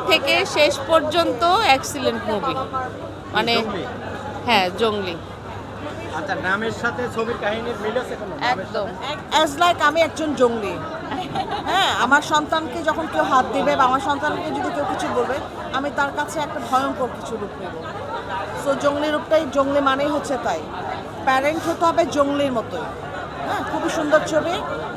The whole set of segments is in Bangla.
থেকে শেষ পর্যন্ত এক্সিলেন্ট মুভি, মানে হ্যাঁ জঙ্গলি। আচ্ছা, নামের সাথে ছবির কাহিনীর মিল আছে কোনো? একদম। অ্যাজ লাইক আমি একজন জঙ্গলি। হ্যাঁ, আমার সন্তানকে যখন কেউ হাত দেবে বা আমার সন্তানকে যদি কেউ কিছু বলবে, আমি তার কাছে একটা ভয়ঙ্কর কিছু রূপ নেব। সো জঙ্গলি রূপটাই, জঙ্গলি মানেই হচ্ছে তাই। প্যারেন্ট হতে হবে জঙ্গলির মতোই। হ্যাঁ, খুবই সুন্দর ছবি।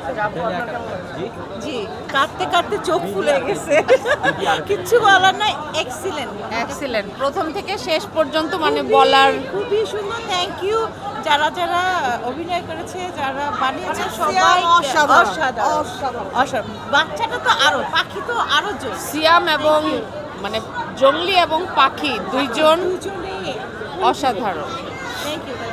জি, কাটতে কাটতে চোখ ফুলে গেছে, কিচ্ছু বলার নাই। এক্সিলেন্ট প্রথম থেকে শেষ পর্যন্ত, মানে বলার খুবই সুন্দর। থ্যাংক ইউ যারা যারা অভিনয় করেছে, যারা বানিয়েছে, সবাই সবাই অসাধারণ, অসাধারণ অসাধারণ। অসাধারণ। বাচ্চাটা তো আরো, পাখি তো আরো জোর। সিয়াম এবং মানে জঙ্গলি এবং পাখি দুইজন দুজনেই অসাধারণ। Thank you.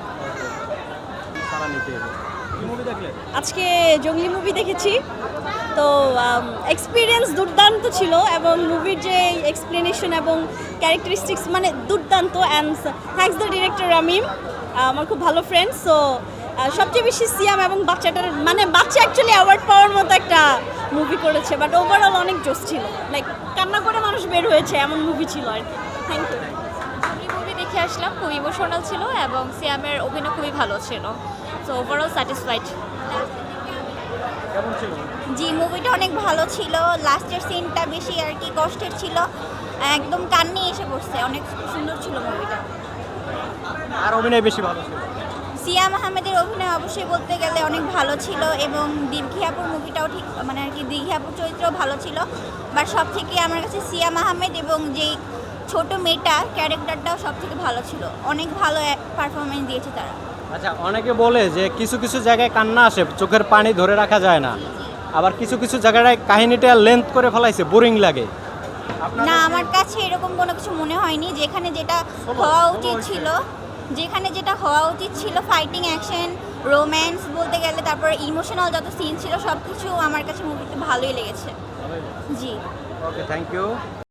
সারা নিতে হবে। কি মুভি দেখলেন? আজকে জঙ্গলি মুভি দেখেছি, তো এক্সপিরিয়েন্স দুর্দান্ত ছিল এবং মুভির যে এক্সপ্লেনেশন এবং ক্যারেক্টারিস্টিক্স মানে দুর্দান্ত। And thanks the director Ramim, আমার খুব ভালো ফ্রেন্ড। সো সবচেয়ে বেশি সিয়াম এবং বাচ্চাটার, মানে বাচ্চা অ্যাকচুয়ালি অ্যাওয়ার্ড পাওয়ার মতো একটা মুভি করেছে, বাট ওভারঅল অনেক জোস ছিল। লাইক কান্না করে মানুষ বের হয়েছে এমন মুভি ছিল আর কি। Thank you. মুভি দেখে আসলাম, খুব ইমোশনাল ছিল এবং সিয়ামের অভিনয় খুবই ভালো ছিল। So overall satisfied. কেমন ছিল? জি, মুভিটা অনেক ভালো ছিল। লাস্টের সিনটা বেশি আর কি কষ্টের ছিল, একদম কান্নি এসে পড়ছে। অনেক সুন্দর ছিল মুভিটা। আর অভিনয় বেশি ভালো ছিল? সিয়াম আহমেদের অভিনয় অবশ্যই বলতে গেলে অনেক ভালো ছিল, এবং দীঘি আপুর মুভিটাও ঠিক, মানে আর কি দীঘি আপুর চরিত্রও ভালো ছিল। বাট সব থেকে আমার কাছে সিয়াম আহমেদ এবং যেই ছোট মেয়েটা ক্যারেক্টারটাও সব থেকে ভালো ছিল। অনেক ভালো পারফরমেন্স দিয়েছে তারা। আচ্ছা, অনেকে বলে যে কিছু কিছু জায়গায় কান্না আসে, চোখের পানি ধরে রাখা যায় না, আবার কিছু কিছু জায়গায় কাহিনীটা লেন্থ করে ফেলাইছে, বোরিং লাগে। না, আমার কাছে এরকম কোনো কিছু মনে হয়নি। যেখানে যেটা হওয়া উচিত ছিল, ফাইটিং, অ্যাকশন, রোম্যান্স বলতে গেলে, তারপর ইমোশনাল যত সিন ছিল সব কিছু আমার কাছে মুভিতে ভালোই লেগেছে। জি, ওকে, থ্যাংক ইউ।